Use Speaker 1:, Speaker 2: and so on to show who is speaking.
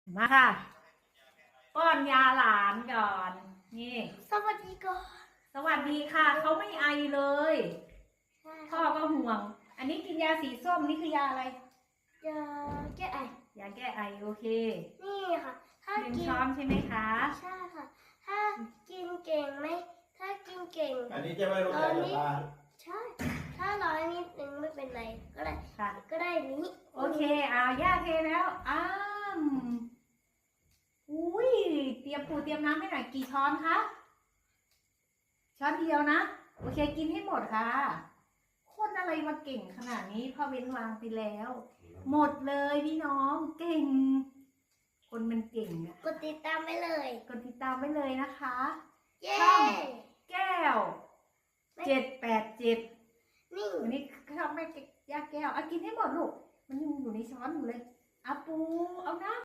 Speaker 1: มาค่ะป้อนยาหลานก่อนนี่
Speaker 2: สวัสดีก่อน
Speaker 1: สวัสดีค่ะเขาไม่ไอเลยพ่อก็ห่วงอันนี้กินยาสีส้มนี่คือยาอะไร
Speaker 2: ยาแก้ไอย
Speaker 1: าแก้ไอโอเค
Speaker 2: นี่ค่ะ ถ้า
Speaker 1: หนึ่ง
Speaker 2: กิน
Speaker 1: ช้อนใช่ไหมคะ
Speaker 2: ใช่ค่ะ ถ้ากินเก่งไหมถ้ากินเก่ง
Speaker 3: อันนี้จะไม่รู้จักกับปลา
Speaker 2: ใช่ ถ้าร้อยนิดนึงไม่เป็นไรก็ได้
Speaker 1: ค่ะ
Speaker 2: ก็ได้นี้
Speaker 1: โอเคเอาย่าเทแล้วอุ้ยเตรียมปูเตรียมน้ำให้หน่อยกี่ช้อนคะช้อนเดียวนะโอเคกินให้หมดค่ะคนอะไรมาเก่งขนาดนี้พ่อเว้นวางไปแล้ว หมดเลยพี่น้องเก่ง คนมันเก่งอะ
Speaker 2: กดติดตามไปเลย
Speaker 1: กดติดตามไว้เลยนะคะ
Speaker 2: เย้
Speaker 1: ช่อง แก้ว787
Speaker 2: นี่
Speaker 1: วันนี้ชอบแม่ย่าแก้วเอากินให้หมดลูกมันยังอยู่ในช้อนอยู่เลยเอาปูเอาน้ำ